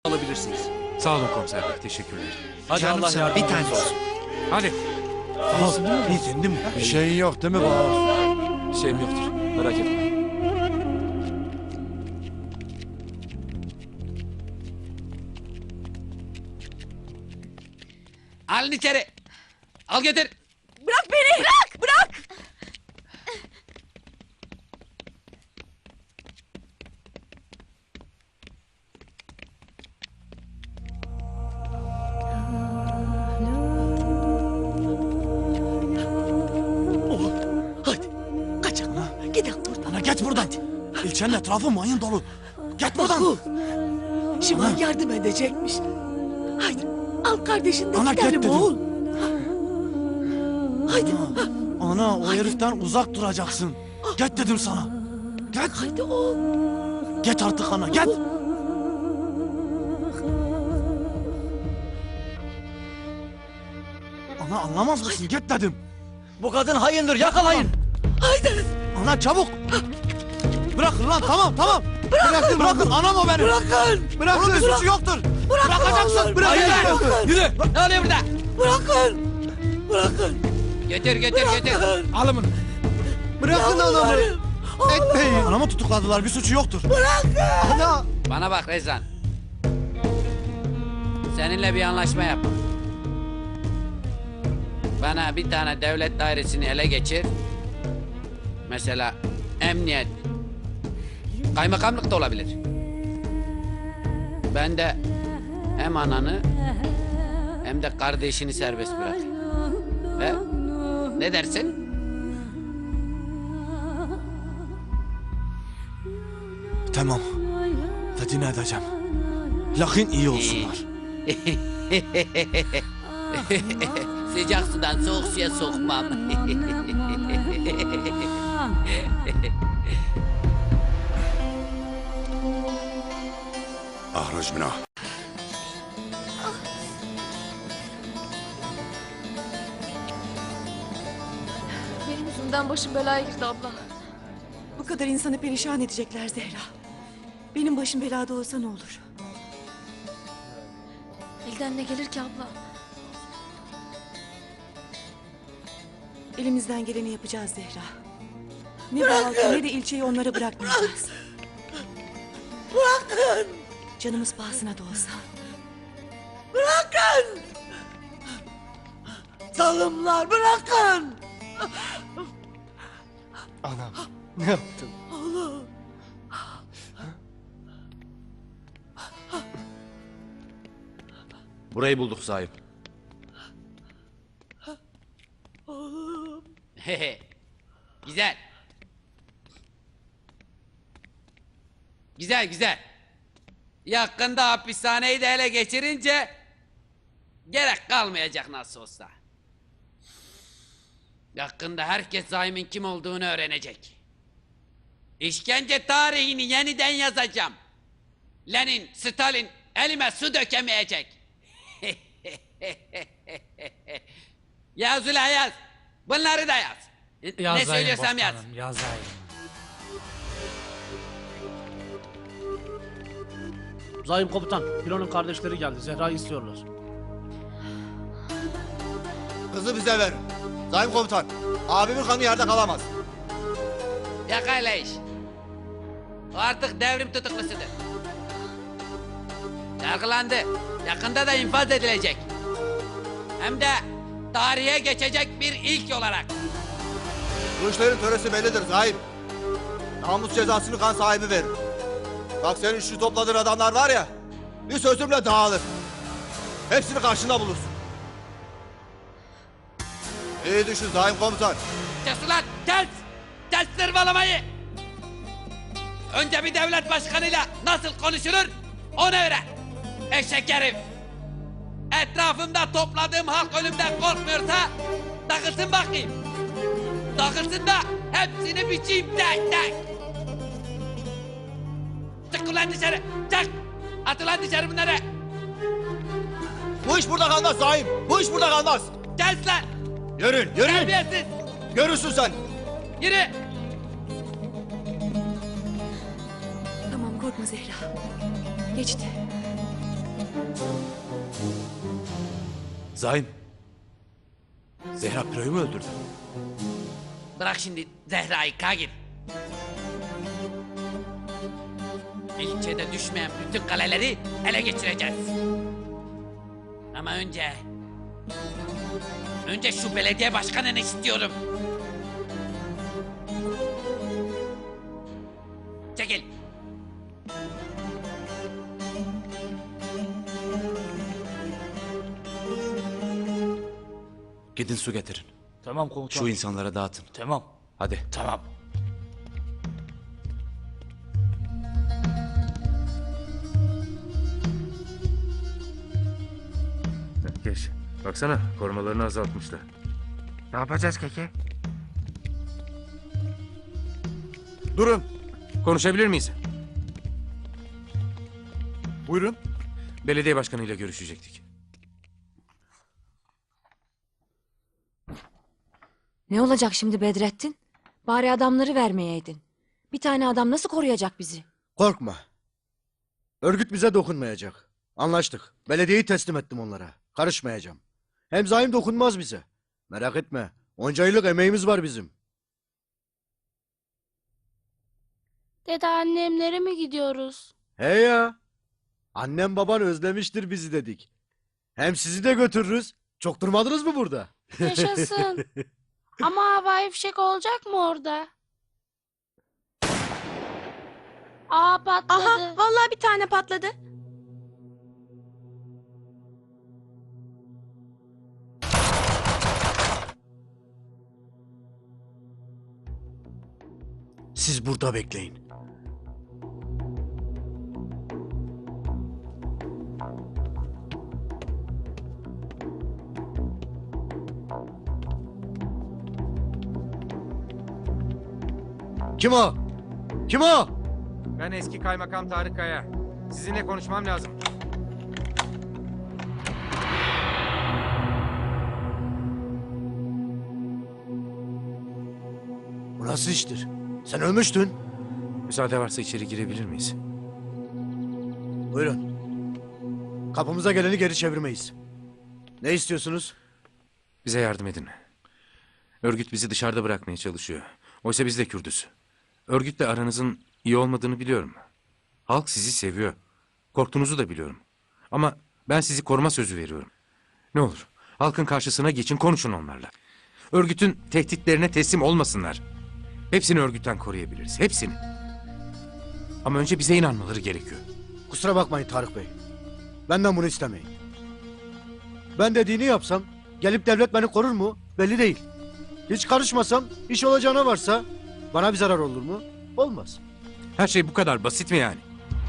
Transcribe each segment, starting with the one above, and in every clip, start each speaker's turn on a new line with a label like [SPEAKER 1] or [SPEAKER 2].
[SPEAKER 1] alabilirsiniz.
[SPEAKER 2] Sağ olun komiser bey, teşekkürler.
[SPEAKER 1] Hadi
[SPEAKER 3] Canım
[SPEAKER 1] Allah
[SPEAKER 3] sana
[SPEAKER 1] yardımcınız
[SPEAKER 3] bir tane
[SPEAKER 1] olsun.
[SPEAKER 2] Hadi.
[SPEAKER 3] İyisin değil mi? Bir şeyin yok değil mi baba?
[SPEAKER 1] Bir şeyim yoktur. Merak etme.
[SPEAKER 4] Alın içeri. Al getir.
[SPEAKER 5] Bırak beni! Bırak! Bırak!
[SPEAKER 3] Hadi. Kaç ana. Gidelim buradan. Ana geç buradan. İlçenin etrafı mayın dolu. Git buradan.
[SPEAKER 5] Şimal yardım edecekmiş. Haydi al kardeşini de
[SPEAKER 3] Ana,
[SPEAKER 5] gidelim
[SPEAKER 3] git dedim.
[SPEAKER 5] oğul. Haydi.
[SPEAKER 3] Ana o heriften uzak duracaksın. Git dedim sana. Git.
[SPEAKER 5] Haydi oğul.
[SPEAKER 3] Git artık ana git. Ana anlamaz mısın? Git dedim.
[SPEAKER 1] Bu kadın hayındır, yakalayın.
[SPEAKER 5] Haydi.
[SPEAKER 3] Ana çabuk. Bırakın lan tamam. Bırakın anam o benim.
[SPEAKER 5] Bırakın.
[SPEAKER 3] Onun bir suçu yoktur. Bırakacaksın.
[SPEAKER 4] Hayır.
[SPEAKER 3] Bırakın.
[SPEAKER 4] Yürü. Ne oluyor burada?
[SPEAKER 5] Bırakın. Bırakın.
[SPEAKER 4] Getir.
[SPEAKER 5] Bırakın.
[SPEAKER 3] Alın bunu. Bırakın anamı.
[SPEAKER 5] Yalvarırım.
[SPEAKER 3] Etmeyin. Anamı tutukladılar bir suçu yoktur. Ana.
[SPEAKER 4] Bana bak Rezan. Seninle bir anlaşma yap. Bana bir tane devlet dairesini ele geçir. Mesela emniyet. Kaymakamlık da olabilir. Ben de hem ananı hem de kardeşini serbest bırakayım. Ve ne dersin?
[SPEAKER 3] Tamam. Dediğini edeceğim. Lakin iyi olsunlar.
[SPEAKER 4] Sıcak sudan soğuk suya sokmam.
[SPEAKER 6] اخرج منها.
[SPEAKER 7] Benim yüzümden başım belaya girdi abla.
[SPEAKER 5] Bu kadar insanı perişan edecekler Zehra. Benim başım belada olsa ne olur?
[SPEAKER 7] Elden ne gelir ki abla?
[SPEAKER 5] Elimizden geleni yapacağız Zehra. Ne bu halkı ne de ilçeyi onlara bırakmayacağız. Bırakın! Canımız pahasına da olsa. Bırakın! Zalimler bırakın!
[SPEAKER 3] Anam ne yaptın?
[SPEAKER 1] Burayı bulduk sahip.
[SPEAKER 4] Güzel. Güzel. Yakında hapishaneyi de ele geçirince gerek kalmayacak nasıl olsa. Yakında herkes zalimin kim olduğunu öğrenecek. İşkence tarihini yeniden yazacağım. Lenin, Stalin elime su dökemeyecek. Yaz ulan yaz. Bunları da yaz. Ne söylüyorsam yaz.
[SPEAKER 2] Yazayım.
[SPEAKER 8] Zahim komutan, Pilon'un kardeşleri geldi. Zehra'yı istiyorlar.
[SPEAKER 9] Kızı bize ver. Zahim komutan, abimin kanı yerde kalamaz.
[SPEAKER 4] Yakayla iş. O artık devrim tutuklusudur. Yargılandı. Yakında da infaz edilecek. Hem de tarihe geçecek bir ilk olarak.
[SPEAKER 9] Bu işlerin töresi bellidir Zahim. Namus cezasını kan sahibi verir. Bak senin şu topladığın adamlar var ya, bir sözümle dağılır. Hepsini karşında bulursun. İyi düşün Zahim komutan.
[SPEAKER 4] Kes ulan kes! Kes zırvalamayı! Önce bir devlet başkanıyla nasıl konuşulur onu öğren. Eşek herif! Etrafımda topladığım halk ölümden korkmuyorsa takılsın bakayım. Takılsın da hepsini biçeyim tek. Çık ulan dışarı! Çık! At ulan dışarı bunları!
[SPEAKER 9] Bu iş burada kalmaz Zahim. Bu iş burada kalmaz.
[SPEAKER 4] Kes lan!
[SPEAKER 9] Yürü.
[SPEAKER 4] Terbiyesiz!
[SPEAKER 9] Görürsün sen.
[SPEAKER 4] Yürü!
[SPEAKER 5] Tamam korkma Zehra. Geçti.
[SPEAKER 1] Zaim. Zehra Piro'yu mu öldürdü?
[SPEAKER 4] Bırak şimdi Zehra'yı Kagil. İlçede düşmeyen bütün kaleleri ele geçireceğiz. Ama önce şu belediye başkanını istiyorum. Çekil.
[SPEAKER 1] Gidin su getirin.
[SPEAKER 8] Tamam komutan.
[SPEAKER 1] Şu insanlara dağıtın.
[SPEAKER 8] Tamam.
[SPEAKER 1] Hadi.
[SPEAKER 8] Tamam.
[SPEAKER 2] Geç. Baksana korumalarını azaltmışlar.
[SPEAKER 6] Ne yapacağız Keke?
[SPEAKER 3] Durun.
[SPEAKER 2] Konuşabilir miyiz?
[SPEAKER 3] Buyurun.
[SPEAKER 2] Belediye başkanıyla görüşecektik.
[SPEAKER 10] Ne olacak şimdi Bedrettin? Bari adamları vermeyeydin. Bir tane adam nasıl koruyacak bizi?
[SPEAKER 11] Korkma. Örgüt bize dokunmayacak. Anlaştık. Belediyeyi teslim ettim onlara. Karışmayacağım. Hem zaim dokunmaz bize. Merak etme. Onca yıllık emeğimiz var bizim.
[SPEAKER 7] Dede annemlere mi gidiyoruz?
[SPEAKER 11] He ya. Annem baban özlemiştir bizi dedik. Hem sizi de götürürüz. Çok durmadınız mı burada?
[SPEAKER 7] Yaşasın. Ama havai fişek olacak mı orada? Aa patladı.
[SPEAKER 5] Aha vallahi bir tane patladı.
[SPEAKER 11] Siz burada bekleyin. Kim o? Kim o?
[SPEAKER 6] Ben eski kaymakam Tarık Kaya. Sizinle konuşmam lazım.
[SPEAKER 11] Bu nasıl iştir? Sen ölmüştün.
[SPEAKER 2] Müsaade varsa içeri girebilir miyiz?
[SPEAKER 11] Buyurun. Kapımıza geleni geri çevirmeyiz. Ne istiyorsunuz?
[SPEAKER 2] Bize yardım edin. Örgüt bizi dışarıda bırakmaya çalışıyor. Oysa biz de Kürdüz. Örgütle aranızın iyi olmadığını biliyorum. Halk sizi seviyor. Korktuğunuzu da biliyorum. Ama ben sizi koruma sözü veriyorum. Ne olur halkın karşısına geçin, konuşun onlarla. Örgütün tehditlerine teslim olmasınlar. Hepsini örgütten koruyabiliriz. Hepsini. Ama önce bize inanmaları gerekiyor.
[SPEAKER 11] Kusura bakmayın Tarık Bey. Benden bunu istemeyin. Ben dediğini yapsam gelip devlet beni korur mu? Belli değil. Hiç karışmasam iş olacağına varsa bana bir zarar olur mu? Olmaz.
[SPEAKER 2] Her şey bu kadar basit mi yani?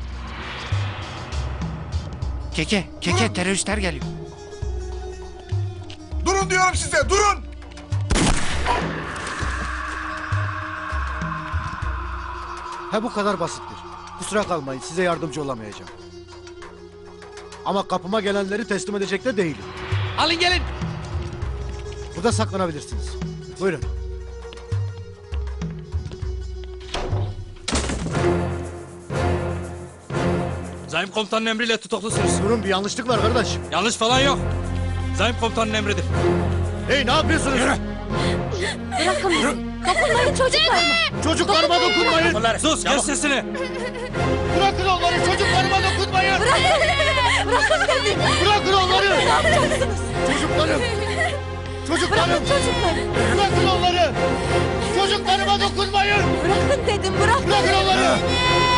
[SPEAKER 6] Keke teröristler geliyor.
[SPEAKER 9] Durun diyorum size, durun!
[SPEAKER 11] He bu kadar basittir. Kusura kalmayın size yardımcı olamayacağım. Ama kapıma gelenleri teslim edecek de değilim.
[SPEAKER 4] Alın gelin.
[SPEAKER 11] Burada saklanabilirsiniz. Buyurun.
[SPEAKER 3] Zaim komutanın emriyle tutuklusunuz.
[SPEAKER 11] Durun bir yanlışlık var kardeş.
[SPEAKER 3] Yanlış falan yok. Zaim komutanın emridir.
[SPEAKER 11] Hey ne yapıyorsunuz?
[SPEAKER 10] Bırakın bizi. Dokunmayın çocuklarıma.
[SPEAKER 11] Çocuklarıma dokunmayın.
[SPEAKER 3] Sus kes sesini.
[SPEAKER 11] Bırakın onları çocuklarıma dokunmayın.
[SPEAKER 10] Bırakın dedim.
[SPEAKER 11] Bırakın onları.
[SPEAKER 10] Ne yapacaksınız?
[SPEAKER 11] Çocuklarım. Çocuklarım.
[SPEAKER 10] Bırakın çocukları.
[SPEAKER 11] Bırakın onları. Çocuklarıma dokunmayın.
[SPEAKER 10] Bırakın dedim bırakın.
[SPEAKER 11] Bırakın onları.